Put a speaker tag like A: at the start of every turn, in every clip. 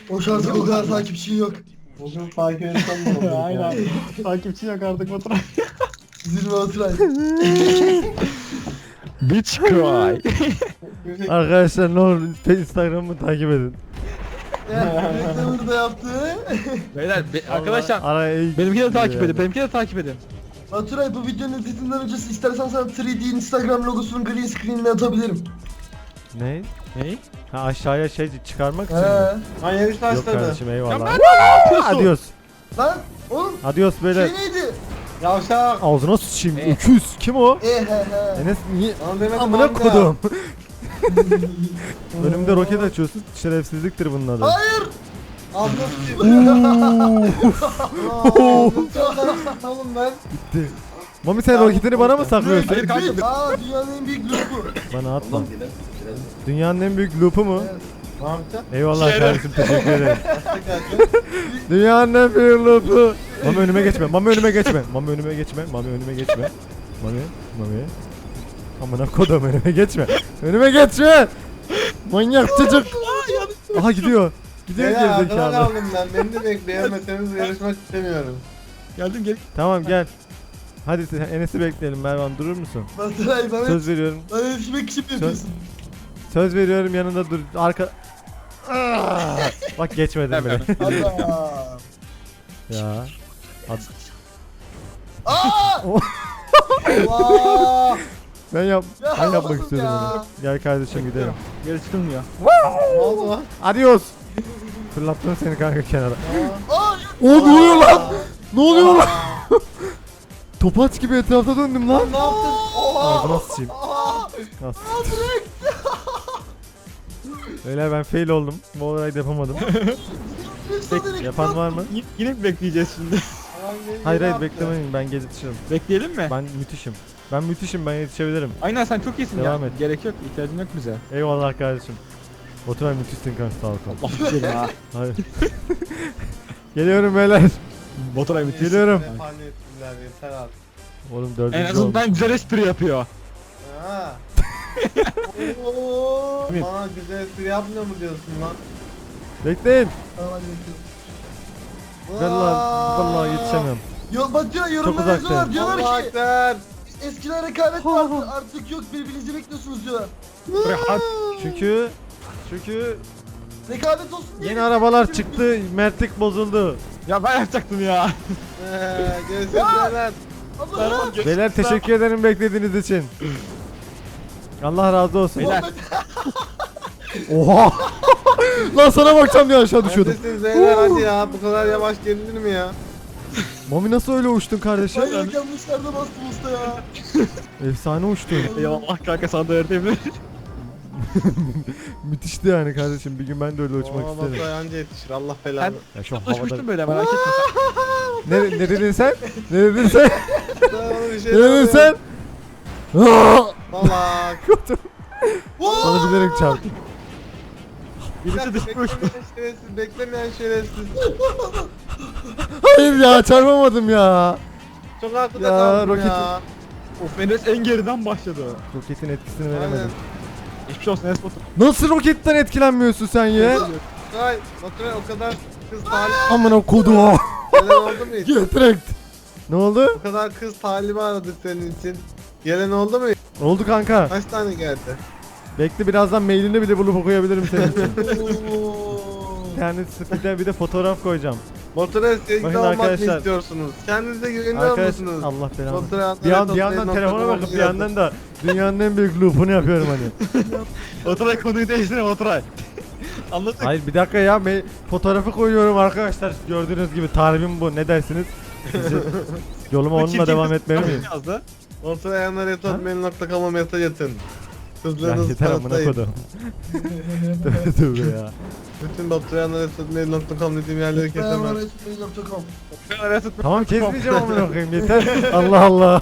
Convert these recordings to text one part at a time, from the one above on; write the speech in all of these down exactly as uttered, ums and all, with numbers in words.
A: O şartı o kadar takipçin yok.
B: Bugün takip etsem mi olur?
C: Aynen. Takipçi yok artık Baturay.
A: Zirve Oturay.
C: Bitch cry.
D: Arkadaşlar ne olur Instagram'ımı takip edin.
A: Reklamını da yaptı.
C: Beyler be, arkadaşlar
D: Araya iyi
C: benimki de takip
D: yani.
C: edin. Benimki de takip edin.
A: Baturay bu videonun editinden önce istersen sana üç D Instagram logosunun green screen'ini atabilirim.
D: Ne?
C: Ney?
D: Ha aşağıya şey çıkarmak için mi?
A: He.
B: Ha yarış
D: Yok
B: başladı.
D: kardeşim
C: Ya
D: eyvallah.
C: ben ne yapıyorsun?
D: Adios.
A: Lan oğlum
D: Adios böyle.
A: şey neydi?
B: Yavşak.
D: Ağzına sıçayım.
C: E.
D: Öküz. Kim o?
A: E he he.
D: Enes niye?
B: Lan demedim
D: Amına
B: amca.
D: kodum. Önümde roket açıyorsun. Şerefsizliktir bunun adı.
A: Hayır.
B: Ağzına sıçayım. Oğlum ben.
D: Gitti. Mami sen roketini bana mı saklıyorsun?
C: Hayır kanka.
A: Aa dünyanın en büyük loop'u.
D: Bana atma. Dünyanın en büyük loop'u mu?
A: Evet.
B: Ne yapacaksın?
D: Eyvallah
C: Şeref.
D: kardeşim teşekkür ederim.
B: Tekrar.
D: Dünyanın en büyük loop'u. Mami önüme geçme. Mami önüme geçme. Mami önüme geçme. Mami önüme geçme. Mami. Mami. Amına kodum önüme geçme. Önüme geçme. Manyak çocuk. Aha gidiyor. Gidiyor
B: Beyler arkadan
D: gerizekalı.
B: kaldım ben. Beni de bekleyemezseniz yarışmak istemiyorum.
C: Geldim gel.
D: Tamam gel. Hadi sen Enes'i bekleyelim Mervan durur musun?
A: Baturay bana
D: Söz veriyorum.
A: bana yetişmek için mi yapıyorsun?
D: Söz veriyorum yanında dur. Arka... Aa! Bak geçmedim bile.
A: Allah.
D: Ya. Ad-
A: Aa!
D: O-
B: Allah!
D: Ben yap
A: Ya
D: ben yapmak
A: oğlum
D: istiyorum
A: ya.
D: onu. Gel kardeşim gidelim.
C: Geri çıkılmıyor.
B: Ne oldu lan?
D: Adios. Fırlattım seni kanka kenara.
A: Aa!
D: O ne oluyor lan? Ne oluyor lan? Topaç gibi etrafta döndüm lan.
B: Ne yaptın? Oha!
D: Ağzına sıçayım.
B: Oha!
D: Nasıl? Öyle ben fail oldum. Bu olayı da yapamadım. Yapan var mı?
C: Y- yine mi bekleyeceğiz şimdi?
B: Lan beni
D: Hayır
B: ne
D: hayır
B: yaptın?
D: beklemeyin ben yetişirim.
C: Bekleyelim mi?
D: Ben müthişim. Ben müthişim ben yetişebilirim.
C: Aynen sen çok iyisin
D: Devam
C: ya.
D: et.
C: Gerek yok. İhtiyacın yok bize.
D: Eyvallah kardeşim. Oturay müthişsin kanka sağ ol kanka.
C: Allah güzel ha.
D: Hayır. Geliyorum beyler.
C: Baturay müthiş.
D: Geliyorum.
B: Ne falan ettiler yeter artık.
D: Oğlum dördüncü
C: En
D: olmuş.
C: azından güzel espri yapıyor.
B: Ha. Oo.
C: Evet.
B: Bana güzel espri yapmıyor mu diyorsun lan?
D: Bekleyin.
A: Tamam hadi bekliyorum.
D: Vallahi, vallahi yetişemiyorum.
A: Yo Baturay yorumlar
D: uzaktayım.
A: yazıyorlar diyorlar
B: Allah
A: ki
B: ekber.
A: eskiden rekabet vardı artık yok birbirinizi bekliyorsunuz diyorlar.
C: Buraya har-
D: Çünkü çünkü
A: Rekabet olsun diye.
D: yeni arabalar çıktı. Mertlik bozuldu.
C: Ya ben yapacaktım ya.
B: Eee görüşürüz beyler.
A: Allah.
D: Beyler teşekkür ederim beklediğiniz için. Allah razı olsun.
C: Beyler.
D: Oha. Lan sana bakacağım diye aşağı düşüyordum.
B: Neredesiniz beyler hadi ya bu kadar yavaş gelinir mi ya?
D: Mami nasıl öyle uçtun kardeşim?
A: Ben yanlışlarda bastım usta ya.
D: Efsane uçtun.
C: Eyvallah kanka sana da öğretebilir.
D: Müthişti yani kardeşim. Bir gün ben de öyle uçmak
B: Oo,
D: isterim.
B: Baturay anca yetişir Allah
C: Ben
B: belanı.
D: Ya şu havada...
C: uçmuştum böyle merak etme sen.
D: Ne, ne dedin sen? Ne dedin sen?
B: Ben ona bir şey
D: Ne dedin sen? Aa!
B: Salak.
D: Sana bilerek çarptım.
C: Birisi düşmüş.
B: Beklemeyen şerefsiz, beklemeyen şerefsiz.
D: Hayır ya çarpamadım ya.
B: Çok arkada
D: Ya,
B: kaldım
D: roket-
B: ya.
C: Of Enes en geriden başladı.
D: Roketin etkisini
B: Aynen.
D: veremedim.
C: Hiçbir şey olsun Enes Batur.
D: Nasıl roketten etkilenmiyorsun sen ya?
B: Baturay, Baturay o kadar kız talip
D: Amına kodum.
B: gelen oldu mu hiç?
D: Getirekt. Ne oldu?
B: O kadar kız talibi aradık senin için. Gelen oldu mu?
D: Oldu kanka.
B: Kaç tane geldi?
D: Bekle birazdan mailini bile bulup okuyabilirim senin için.
A: Oo.
D: Yani bir bir de fotoğraf koyacağım.
B: Baturay sevgili
D: Bakın
B: olmak mı
D: arkadaşlar.
B: istiyorsunuz? Kendinize güveniyor
D: Arkadaş
B: musunuz?
D: Allah belanı.
B: Baturay
D: Bir, an, bir yandan telefona bakıp bir yandan da dünyanın en büyük loop'unu yapıyorum hani.
C: Baturay konuyu değiştirin Baturay. Anladık.
D: Hayır bir dakika ya me- fotoğrafı koyuyorum arkadaşlar. Gördüğünüz gibi tarifim bu. Ne dersiniz? Sizi- Yoluma onunla devam etmeli miyim?
C: Yazdı.
B: Baturay yanlar etotmail nokta com'a mesaj atın.
D: Ya
B: Kızlarınızı
D: yeter amına
B: kanıtlayın.
D: kodum. Tövbe tövbe ya.
B: Bütün Baturay yanlar etotmail nokta com dediğim yerleri
A: Ben
B: kesemem.
A: bana etmeyi nokta com.
D: Tamam kesmeyeceğim amına koyayım yeter. Allah Allah.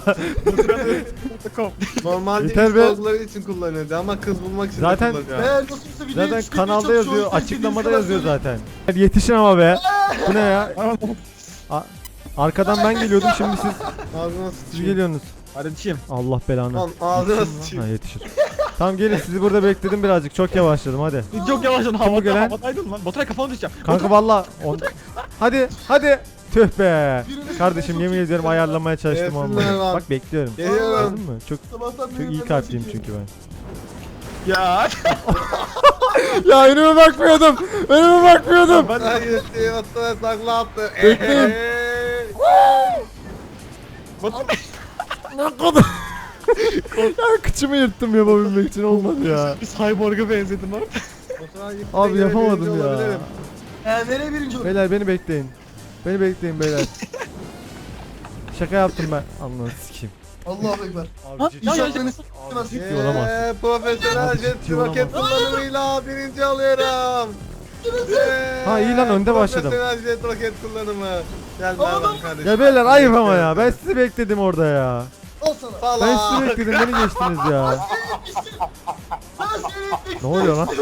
B: Normalde
D: Yeter
B: iş
D: be.
B: sorguları için kullanıyordu ama kız bulmak için
D: Zaten-
B: de kullanıyor.
A: Eğer nasılsa videoyu
D: Zaten
A: çıkmaya
D: kanalda
A: çalışıyor,
D: yazıyor,
A: o yüzden
D: açıklamada
A: istediğiniz
D: yazıyor
A: kadar
D: zaten. Yetişin ama be. Bu ne ya? A- Arkadan ben geliyordum şimdi siz
B: Ağzına
D: siz
B: sıçayım.
D: geliyorsunuz.
C: Kardeşim.
D: Allah belanı.
B: Lan ağzına
D: Ha
B: sıçayım.
D: yetişir. Tamam gelin sizi burada bekledim birazcık. Çok yavaşladım hadi.
C: Çok yavaşladın
D: Kim bu gelen?
C: havada, havadaydın lan. Baturay kafanı düşeceğim.
D: Kanka valla. On... Hadi hadi. Tüh be. Kardeşim yemin ediyorum ayarlamaya çalıştım
B: Gelsinler
D: ama.
B: lan.
D: Bak bekliyorum.
B: Geliyorum.
D: Anladın mı? Çok
A: Sabahtan
D: çok
A: beri
D: iyi
A: ben
D: kalpliyim
A: çekiyorum.
D: çünkü ben.
C: Ya.
D: Ya önüme bakmıyordum. Önüme bakmıyordum.
C: Ben
B: Hayır Sivas'ta sakla attı.
D: Bekleyin.
B: Eee.
C: Baturay.
D: Ne kadar. Ya kıçımı yırttım yapabilmek için olmadı ya.
C: Bir cyborg'a benzedin lan.
B: Baturay gitti,
D: Abi
B: yine birinci
D: yapamadım ya.
B: olabilirim.
A: Ee, nereye birinci oldu?
D: Beyler beni bekleyin. Beni bekleyin beyler. Şaka yaptım ben. Anladın sikeyim.
A: Allahu ekber.
C: Ha,
D: Abi ciddi,
C: ya, ya,
A: İnşallah
C: ya.
A: nasıl
D: ciddi olamaz.
B: Eee, Profesyonel
D: Abi
B: jet
D: ciddi
B: roket
D: olamaz.
B: kullanımıyla birinci alıyorum. Eee,
D: Ha, iyi lan, önde başladım.
B: Profesyonel jet roket kullanımı. Gel
A: Ama
B: Mervan
A: ben-
B: kardeşim.
D: Ya beyler ayıp ama ya. Ben sizi bekledim orada ya.
A: Al sana.
D: Ben
B: Salak.
D: sizi bekledim beni geçtiniz ya.
A: Sen seni
D: Ne oluyor lan?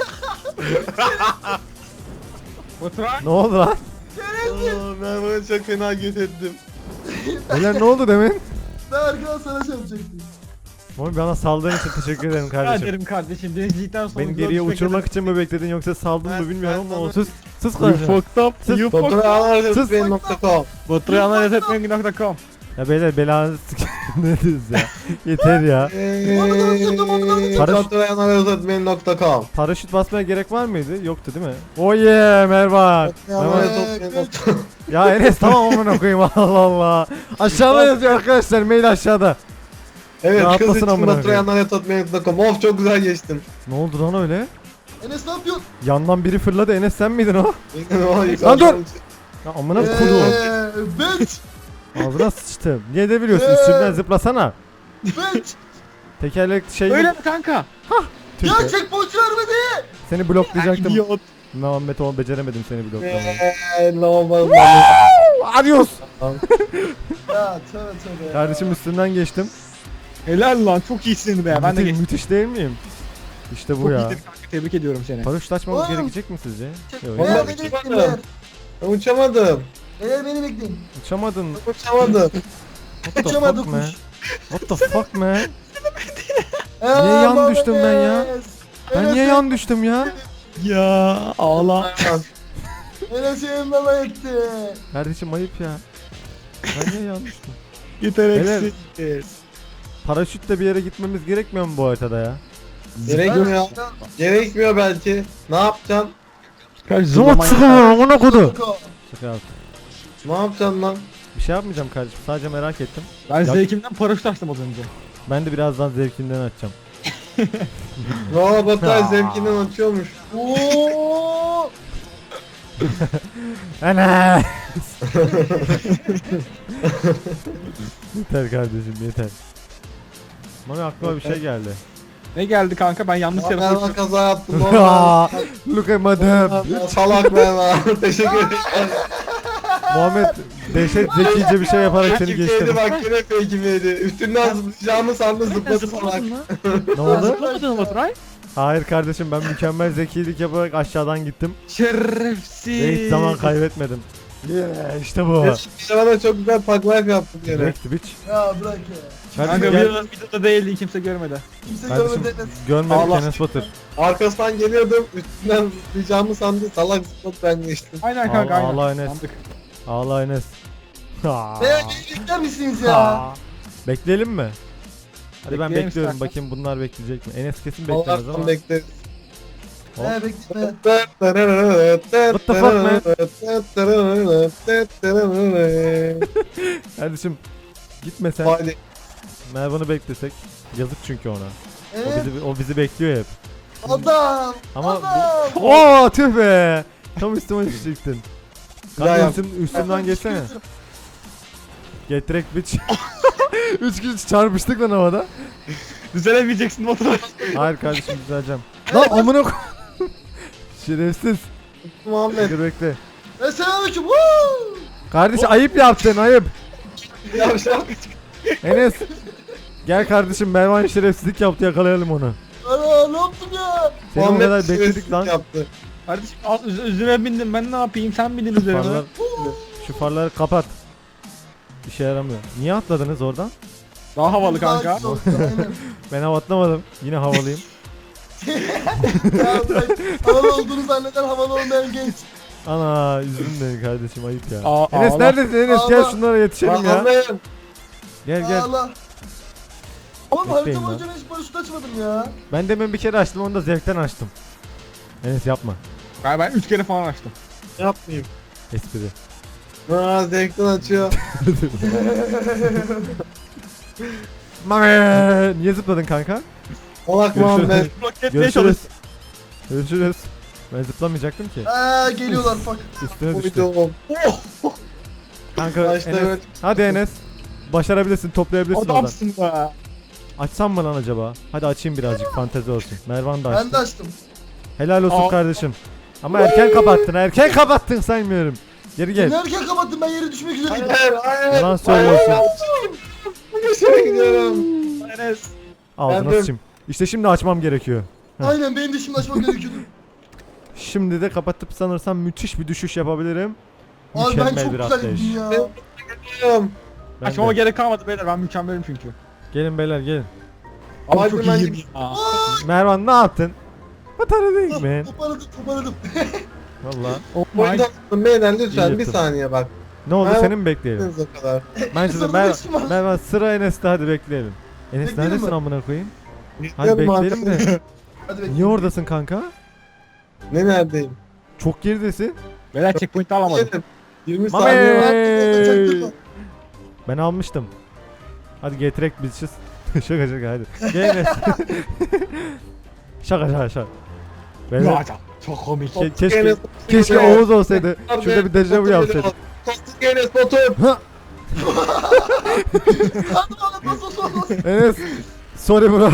C: Baturay.
D: Ne oldu lan?
B: Aa, Mervan'ı çok fena gözettim.
D: Beyler ne oldu demin?
A: Ben arkadan sana şey yapacaktım.
D: Oğlum bana saldığın için teşekkür ederim
C: Rica
D: kardeşim.
C: ederim kardeşim. Denizcilikten sonra.
D: Beni geriye uçurmak için mi bekledin yoksa saldın
B: Ben-
D: mı bilmiyorum
B: ben
D: ama
B: sana-
D: sus. Sus
C: You
D: kardeşim.
C: fucked up.
D: Sus.
C: You fucked up.
B: Baturay analiz
D: Sus.
B: etmeyin nokta com.
C: Baturay analiz etmeyin nokta com.
D: Ya beyler belanızı sik- ne diyorsunuz ya? Yeter ya. Paraşüt-
B: Baturay analiz etmeyin nokta com.
D: Paraşüt basmaya gerek var mıydı? Yoktu değil mi? Oh yeah Mervan. Mervan. Ya Enes tamam amına koyayım Allah Allah. Aşağıda yazıyor arkadaşlar mail aşağıda.
B: Evet kız
D: Rahatlasın
B: için
D: amına
B: Baturay
D: koyayım.
B: analiz etmeyin nokta com. Of çok güzel geçtin.
D: Ne oldu lan öyle?
A: Enes ne yapıyorsun?
D: Yandan biri fırladı Enes sen miydin o?
B: Lan
D: dur! Ya amına koyduğum.
A: Eee, bitch.
D: Ağzına sıçtım. Niye de biliyorsun üstünden zıplasana.
A: Bitch.
D: Tekerlek şey
C: Öyle mi kanka?
D: Tüh
A: Ya
D: be.
A: checkpoint vermedi.
D: Seni bloklayacaktım.
C: İdiot.
D: Muhammed oğlum beceremedim seni bloklamayı.
B: Eee lavabo.
D: Adios.
A: Ya tövbe tövbe ya.
D: Kardeşim üstünden geçtim.
C: Helal lan çok iyisin be. Ben de
D: Müthiş,
C: geçtim.
D: müthiş değil miyim? İşte bu
C: Çok
D: ya.
C: iyisin kanka. Tebrik ediyorum seni.
D: Paraşüt açmamız
A: Oğlum.
D: gerekecek mi sizce? Yok.
A: Eğer
B: Vallahi
A: beni
B: uçamadım.
A: bekleyin beyler.
B: Ben uçamadım.
A: Eğer beni bekleyin.
D: Uçamadın.
B: Uçamadım.
D: What the
A: Uçamadı
D: fuck man?
A: kuş.
D: What the fuck man?
A: Eee,
D: yan
A: Muhammed
D: düştüm ben ya?
A: Enes.
D: Ben
A: Enes
D: niye
A: en-
D: yan düştüm ya?
C: Ya ağla.
A: Enes yanımdan etti.
D: Kardeşim ayıp ya. Ben niye yan düştüm?
C: Yeteneksiz.
D: Paraşütle bir yere gitmemiz gerekmiyor mu bu haritada ya?
B: Gerekmiyor. Gerekmiyor belki. Ne yapacaksın?
C: Kaç
D: Zıvat
C: zaman
D: sıkılıyor amına kodu.
A: Ko-
D: Şaka yaptım.
B: Ne yapacaksın lan?
D: Bir şey yapmayacağım kardeşim sadece merak ettim.
C: Ben
D: Ya-
C: zevkimden paraşüt açtım az önce.
D: Ben de birazdan zevkinden açacağım.
B: Valla Baturay
D: Aa.
B: zevkinden açıyormuş.
A: Oo!
D: Ana! Yeter kardeşim yeter. Bana aklıma bir şey geldi.
C: Ne geldi kanka ben yanlış
B: Ya
C: tarafa
B: ben
C: uçtum.
B: kaza yaptım.
D: Aa,
B: Normal.
D: Look at my damn.
B: Salak ben lan. Teşekkür ederim.
D: Muhammed dehşet zekice bir şey yaparak seni
B: Fake'imdi
D: geçtim.
B: bak yine fake'imdi. Üstünden zıplayacağımı sandı zıpladı salak.
D: Ne oldu?
C: Zıplamadın mı Baturay?
D: Hayır kardeşim ben mükemmel zekilik yaparak aşağıdan gittim.
C: Şerefsiz.
D: Ve hiç zaman kaybetmedim. Yeah, işte bu.
B: Şimdi bana çok güzel taklar yaptın gene.
D: Direkt bitch.
A: Ya bırak ya.
D: Kardeşim
C: Kanka
D: gel.
C: videoda, videoda değildi kimse görmedi.
A: Kimse
D: Kardeşim
A: görmedi Enes.
D: görmedik
C: Allah.
D: Enes Batur.
B: Arkasından geliyordum üstünden zıplayacağımı sandı salak zıpladı ben geçtim.
C: Aynen kanka
D: Allah
C: aynen.
D: Allah Enes.
C: Sandık.
D: Ağla Enes. Ha.
A: Beyler beni bekler misiniz ya?
D: Ha. Bekleyelim mi? Hadi ben
C: Bekleyelim
D: bekliyorum
C: istersen.
D: bakayım bunlar bekleyecek mi? Enes kesin beklemez
B: Allah'tan
D: ama.
B: bekleriz.
D: Hop.
A: He bekle.
B: What
D: the fuck, man? Kardeşim gitme sen.
B: Hadi.
D: Mervan'ı beklesek. Yazık çünkü ona. O
A: Evet.
D: bizi, o bizi bekliyor hep.
A: Adam.
D: Ama
A: Adam.
D: bu... Oo tüh be. Tam üstüme düşecektin.
B: Ya
D: Kanka
B: yap.
D: üstün, üstümden geçsene. Get direkt bitch. Üç kişi çarpıştık lan havada.
C: Düzelemeyeceksin Baturay.
D: Hayır kardeşim düzeleceğim. Lan amına koy. Şerefsiz.
B: Muhammed.
D: Dur bekle.
A: Selamünaleyküm. Woo!
D: Kardeş ayıp yaptın ayıp.
B: Yavşak.
D: Enes. Gel kardeşim Mervan şerefsizlik yaptı yakalayalım onu.
A: Ana ne yaptım ya?
D: Seni o
B: Muhammed
D: kadar bekledik
B: şerefsizlik
D: lan.
B: yaptı.
C: Kardeşim al, üz- üzerine bindim ben ne yapayım sen bindin üzerine.
D: Farlar, şu farları kapat. Bir şey yaramıyor. Niye atladınız oradan?
C: Daha havalı kanka.
A: Daha güzel oldu, aynen.
D: Ben hava atlamadım. Yine havalıyım.
A: Ya bırak, havalı olduğunu zanneden havalı olmayan genç.
D: Ana üzüldüm beni kardeşim, ayıp ya.
C: Aa,
D: Enes
C: ağla.
D: neredesin Enes? Gel
A: Ağla.
D: şunlara yetişelim ya.
B: Anlayın.
D: Gel gel.
A: Allah. Oğlum
D: Bekleyin
A: harita
D: lan.
A: boyunca ben hiç paraşüt açmadım ya.
D: Ben demin bir kere açtım, onu da zevkten açtım. Enes yapma.
C: Ben, ben üç kere falan açtım.
B: Yapmayayım.
D: Espri.
B: Aa zevkten açıyor.
D: Mame! Niye zıpladın kanka?
B: Salak
D: Görüşürüz.
B: Muhammed.
C: Roketliğe
D: Görüşürüz.
C: çalış.
D: Görüşürüz. Ben zıplamayacaktım ki.
A: Eee geliyorlar fuck.
D: Üstüne
B: Bu
D: düştü.
B: videom.
D: Kanka
B: Başta
D: Enes.
B: evet.
D: Hadi Enes. Başarabilirsin, toplayabilirsin oradan.
C: Adamsın be.
D: Açsam mı lan acaba? Hadi açayım birazcık, fantezi olsun. Mervan da
A: Ben
D: açtı.
A: de açtım.
D: Helal olsun
C: Aa.
D: kardeşim. Ama erken kapattın, erken kapattın saymıyorum. Geri gel.
A: Ne erken kapattım, ben yere düşmek üzereydim.
B: Hayır hayır.
D: Yalan söylüyorsun.
B: Geçerek gidiyorum.
C: Enes.
D: Ağzına
B: Ben de-
D: sıçayım. İşte şimdi açmam gerekiyor.
A: Aynen benim de şimdi açmam gerekiyordu.
D: Şimdi de kapatıp sanırsam müthiş bir düşüş yapabilirim.
A: Abi ben
D: Mükemmel
A: çok
D: bir
A: güzel
D: atlayış.
A: gittim ya.
B: Gidiyorum.
D: Ben
C: Açmama
D: de.
C: gerek kalmadı beyler, ben mükemmelim çünkü.
D: Gelin beyler gelin.
C: Ama
B: Hadi
C: çok
B: ben
C: iyiyim.
B: gideyim.
C: Aa.
D: Mervan ne yaptın? Batarı değil mi?
A: Toparladım toparladım.
D: Valla.
C: Oh
B: Bu
C: my.
B: yüzden beyler lütfen
D: İyi
B: bir
D: yaptın.
B: saniye bak.
D: Ne oldu,
B: Mervan-
D: seni mi bekleyelim?
B: Hepiniz o kadar.
D: Bence de
A: Sonra
D: Mer
A: geçtim abi.
D: Mervan sıra Enes'te, hadi bekleyelim. Enes
A: Bekleyelim
D: neredesin
A: mi?
D: amına koyayım? Hadi
B: Gidiyorum
D: bekleyelim
B: artık.
D: de.
A: Hadi bekle.
D: Niye oradasın kanka?
B: Ne neredeyim?
D: Çok geridesin.
C: Beyler checkpoint alamadım.
B: Yedim. yirmi
D: Mame!
B: saniye var.
A: Çaktırma, çaktırma.
D: Ben almıştım. Hadi getirek bitches. şaka şaka hadi. Gel Enes. şaka şaka şaka. Beyler,
C: Ya, çok komik.
D: ke- keşke,
B: Enes-
D: keşke
B: Enes-
D: Oğuz olsaydı. Şurada bir dejavu yapsaydık.
B: Kostik Enes Batur.
D: Ha!
A: Hadi bana bas bas bas bas.
D: Enes. Sorry bro.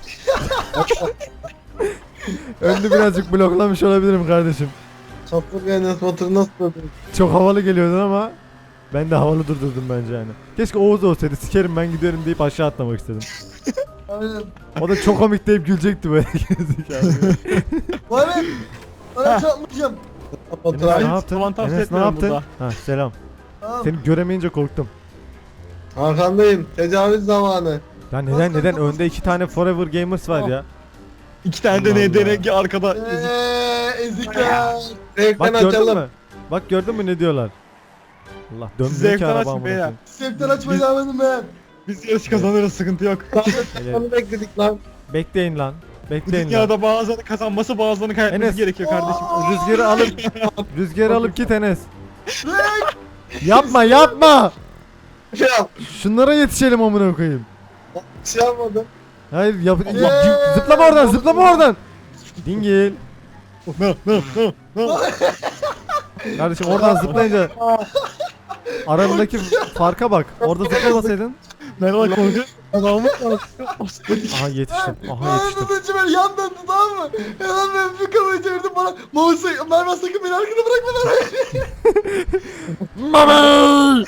D: Önünü birazcık bloklamış olabilirim kardeşim.
B: Kostik Enes Batur nasıl Batur?
D: Çok havalı geliyordun ama ben de havalı durdurdum bence yani. Keşke Oğuz olsaydı, sikerim ben gidiyorum deyip aşağı atlamak istedim.
A: Aynen.
D: O da çok komik deyip gülecekti böyle gerizekalı.
A: Vay be. Ben çarpmayacağım.
D: Enes
B: Batur
D: ne
B: abi.
D: yaptın?
C: Falan tavsiye
D: Enes ne
C: etmiyorum
D: yaptın?
C: burada.
D: Ha selam.
A: Tamam.
D: Seni göremeyince korktum.
B: Arkandayım. Tecavüz zamanı.
D: Ya neden neden önde iki tane Forever Gamers var ya.
C: İki tane de
D: Allah
C: ne
D: Allah.
C: denegi arkada.
A: Eee ezikler.
B: Zevkten
D: Bak gördün
B: açalım.
D: mü? Bak gördün mü ne diyorlar? Allah dönmüyor ki
C: Zevkten
D: araba
C: açın
D: amına
C: beyler.
D: koyayım.
A: Septen açmayı devam edin ben.
C: Biz yarış kazanırız, sıkıntı yok.
D: Hele,
B: Onu bekledik lan.
D: bekleyin lan.
C: Bu
D: Bekleyin lan.
C: dünyada bazılarını kazanması, bazılarını kaybetmesi
D: Enes.
C: gerekiyor kardeşim.
D: Rüzgarı alıp rüzgarı alıp git Enes.
A: Renk.
D: Yapma yapma.
B: Şey yap.
D: Şunlara yetişelim amına koyayım.
B: Şey yapmadım.
D: Hayır yap,
A: Eee.
D: yap- zıplama oradan, zıplama oradan. Dingil.
C: No, no, no, no.
D: Kardeşim oradan zıplayınca aramızdaki farka bak. Orada zıplamasaydın.
C: Merhaba korku. Adamı
D: Aha yetiştim. Aha
A: Bana
D: yetiştim.
A: tutunca ben yan döndü tamam mı? Hemen ben bir kamerayı çevirdim bana. Mouse'u Mervan sakın beni arkada bırakma lan.
D: Mami!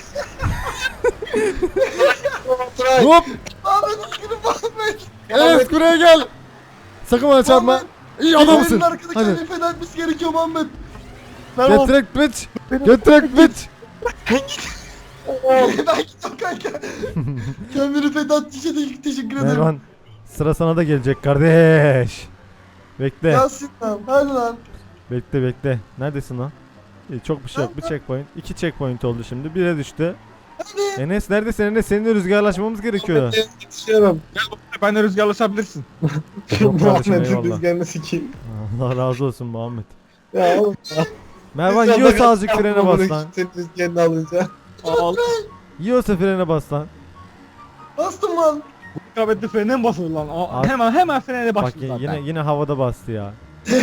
B: Batur
D: Hop!
A: Ahmet üzgünüm Ahmet.
D: Enes buraya gel. Sakın bana çarpma.
A: Muhammed,
D: İyi
A: Benim
D: adamsın.
A: arkada
D: Hadi.
A: kendini feda etmesi gerekiyor Muhammed.
D: Getirek bitch. Getirek bitch.
A: ben gidiyorum kanka. Kendini feda ettiği için teşekkür, teşekkür ederim.
D: Mervan sıra sana da gelecek kardeş. Bekle.
A: Yasin lan. Hadi lan.
D: Bekle bekle. Neredesin lan? İyi, çok bir şey yok. Bir checkpoint. İki checkpoint oldu şimdi. Bire düştü.
A: Hadi.
D: Enes neredesin Enes? Seninle rüzgarlaşmamız gerekiyor.
B: Yetişiyorum.
C: Ben de rüzgarlaşabilirsin.
D: Tamam kardeşim,
B: Muhammed'in
D: eyvallah.
B: rüzgarını sikeyim.
D: Allah razı olsun Muhammed.
B: Ya oğlum.
D: Mervan
B: Rüzgarda
D: yiyorsa
B: kaç
D: azıcık frene
B: yapma
D: bas
B: bunu,
D: lan.
B: Senin rüzgarını alınca.
C: Al.
D: Yiyorsa frene bas lan.
A: Bastım lan.
C: Rekabetli frene mi basılır lan? Aa,
D: Abi-
C: hemen hemen frene
D: Bak
C: başladı
D: y-
C: zaten.
D: yine yine havada bastı ya.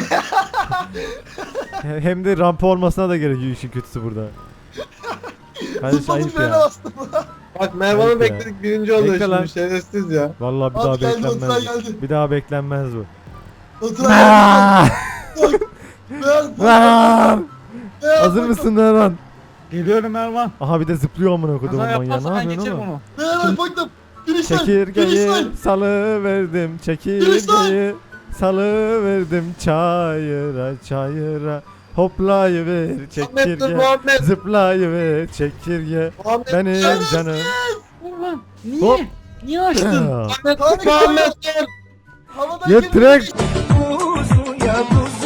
D: He- Hem de rampa olmasına da gerek yok, işin kötüsü burada. Kardeş
A: Zıpladım
D: ayıp
A: frene
D: ya.
A: bastım.
B: Bak Mervan'ı
D: Ayıp ya.
B: bekledik birinci oluyor
D: Bekle lan.
B: şimdi şerefsiz ya.
D: Vallahi bir daha
A: Abi geldi,
D: beklenmez.
A: Oturay
D: bu.
A: geldi.
D: Bir daha beklenmez bu.
A: Oturay geldi. Ver, ver, ver,
D: Hazır
A: bak,
D: mısın Mervan?
C: Geliyorum Erman.
D: Aha bir de zıplıyor amına koyduğum
C: Kaza
D: manyağı.
C: yaparsan
D: Ne
C: ben
D: yapıyorsun
C: geçerim
D: oğlum?
C: onu.
A: Ver, ver, baktım. Finishline.
D: Çekirgeyi
A: Finishline.
D: salı verdim, çekirgeyi salı verdim çayıra çayıra. Hoplayıver
B: Muhammed dur
D: çekirge,
B: Muhammed.
D: zıplayıver çekirge.
B: Muhammed.
D: Benim canım.
C: Ulan
D: Hop.
B: Niye açtın?
D: Ya.
B: Ahmet,
A: Ahmet,
B: Ahmet, gel.
A: Havadan
D: Get
A: gemi
D: direkt.
A: geçti.